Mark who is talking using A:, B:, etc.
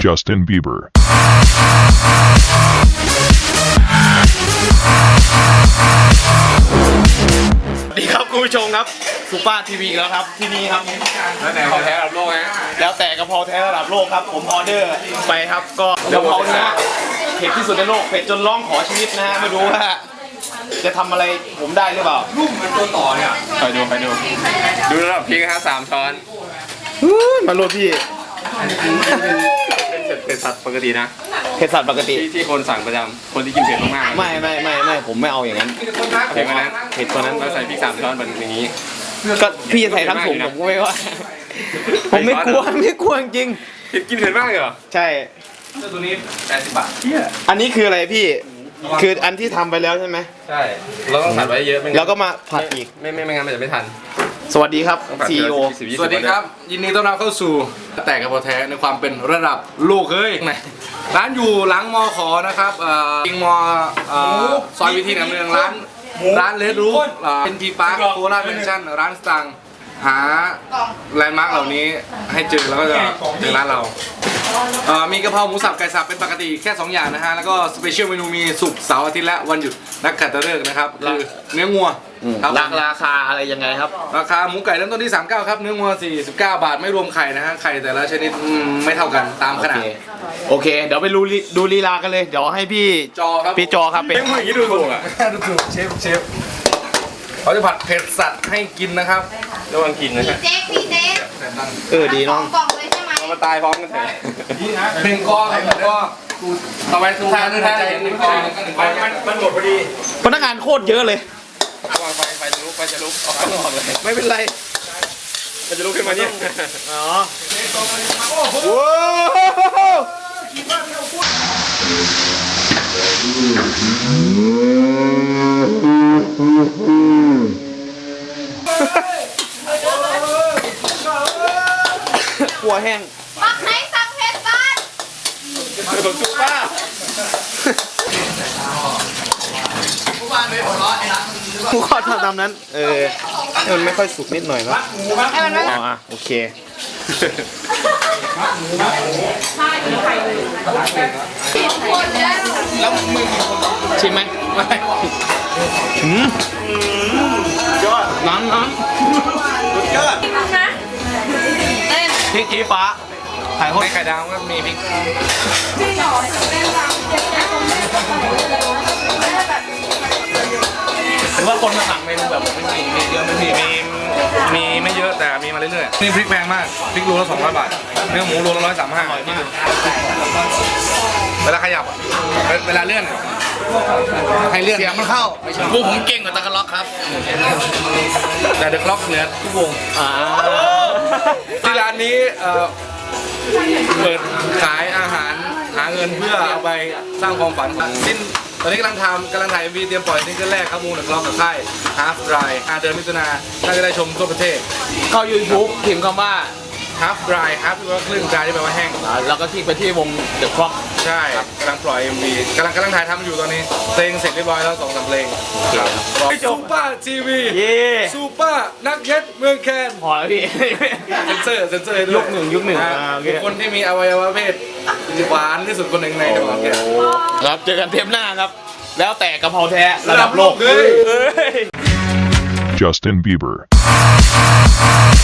A: Justin Bieber.
B: สวัสดีครับคุณผู้ชมครับซูเปอร์ทีวีแล้วครับที่นี่ครับ
C: แล้วแต่กะเพราแท้ระดับโลกฮะ
B: แล้วแต่กะเพราแท้ระดับโลกครับผมออเดอร์ไปครับก็กะเพราเนื้อเผ็ดที่สุดในโลกเผ็ดจนร้องขอชีวิตนะฮะไม่รู้ว่าจะทำอะไรผมได้หรือเปล่า
C: รุ่มมันตัวต่อเนี่ยไปดูระดับพริกฮะ3 ช้อน
B: มาโรพี่
C: เป็นเผ็ดสัตว์ปกตินะ
B: เผ็ดสัตว์ปกติ
C: ที่คนสั่งประจำคนที่กินเผ็ดมากๆ
B: ไม่ผมไม่เอาอย่างนั้น
C: เผ็ดกว่านั้น
B: เผ็ดกว่านั้น
C: เราใส่พริก3 ช้อนแบบอย่างนี้
B: ก็พี่ใส่ทั้งถุงผมก็ไม่ว่าผมไม่กลัวจริง
C: กินเผ็ดมากเหรอ
B: ใช่
C: ตัวนี้80 บาทเที่ย
B: อันนี้คืออะไรพี่คืออันที่ทำไปแล้วใช่ไหม
C: ใช่เราต้องผัดไว้เยอะไม่งั้น
B: แล้วก็มาผัดอีก
C: ไม่งั้นมันจะไม่ทัน
B: สวัสดีครับ
C: ต้องผัด
B: CEO
C: 10-20
D: สวัสดีครับ ยินดีต้อนรับเข้าสู่แต่กระเพาะแท้ในความเป็นระดับโลกเฮ้ยร้านอยู่หลังมอขอนะครับยิงมอซอยวิธีหนำเมืองร้านเลดรูฟเป็นทีปาร์คโคราชเมนชั่นร้านสตังค์หาแลนด์มาร์กเหล่านี้ให้เจอแล้วก็จะเจอร้านเรามีกะเพราหมูสับไก่สับเป็นปกติแค่2 อย่างนะฮะแล้วก็สเปเชียลเมนูมีศุกร์เสาร์อาทิตย์และวันหยุดนักขัตฤกษ์นะครับคือเนื้องัวครับ
B: ราคาอะไรยังไงครับ
D: ราคาหมูไก่เริ่มต้นที่ 39 ครับ เนื้อวัว49 บาท ไม่รวมไข่นะฮะ ไข่แต่ละชนิดไม่เท่ากันตามขนาด
B: โอเค เดี๋ยวไปดูลีลากันเลย เดี๋ยวให้พี่
D: จอครับ
B: พี่จอครับเป็น
D: เป็นอย่างนี้ดูถูกอ่ะ ดูถูกเชฟเขาจะผัดเผ็ดสัตว์ให้กินนะครับ
C: ระวังกินนะฮะ
E: พี่เจ๊
B: ดีน้อง
E: กล่องเลยใช่ไหม
C: มาตายพร้อมกันเถอะ
D: หนึ่งกอครับหนึ่งกอต่อไปทุกท่านใจหนึ่งกอมันหมดพอดี
B: พนักงานโคตรเยอะเลย
C: ระวังไฟจะลุกออกเลย
B: ไม่เป็นไร
C: มันจะลุกขึ้นมาเนี่ย
B: อ๋อว้าวหัวแห้ง
E: ปักไหนสั่งเพชรบ้าน
B: ผมจูป้าผู้ข้อทำตามนั้น ให้มันไม่ค่อยสุกนิดหน่อยนะอ๋อโอเค
E: แล้วมึง
B: ชิมไหมไม่ยอดน้ำ
E: นะเต้น
B: พริกชี้ฟ้าถ่ายโคต
D: ใน
B: ร
D: ไข่ดาวก็มีพริก
B: หรือว่าคนมาสั่งเมนูแบบไม่มีเยอะไม่มี
D: มีไม่เยอะแต่มีมาเรื่อยๆนี่พริกแพงมาก พริกโลละ200 บาท เนื้อหมูโลละ135เวลาขยับอะเวลาเลื่อนอะให้เลื่อน
B: เสียงมันเข้าพวกผมเก่งกว่าตะกล็อกครับ
D: แต่เดอะคล็อกเหนือทุกวง ที่ร้านนี้เปิดขายอาหารหาเงินเพื่อเอาไปสร้างความฝันตอนนี้กำลังถ่าย MV เตรียมปล่อยซิงเกิลแรกครับมูนกับกล้องกับค่าย Half Dry เดือนมิถุนายนน่าจะได้ชมทั่วประเทศ
B: เข้า YouTube พิมพ์คำว่า
D: Half Dry Half แปลว่าครึ่ง Dry ที่แปลว่าแห้ง
B: แล้วก็คลิกไปที่วง The Clock
D: ใช่กำลังปล่อย MV กำลังถ่ายทำอยู่ตอนนี้เพลงเสร็จเรียบร้อยแล้ว2-3เพลงซูเปอร์ทีวี
B: เย่
D: ซูเปอร์นักเก็ตเมืองแคน
B: พอแล้วพี่
D: เซนเซอร์ให้ด้วย
B: ยุคหนึ่งโอเค
D: บุคคลที่มีอวัยวะเพศหวานที่สุดคนหนึ่งในจังหวัดแก
B: ครับเจอกันเทปหน้าครับ แล้วแต่กะเพราแท้ระดับโลก
D: เฮ้ย
A: Justin Bieber.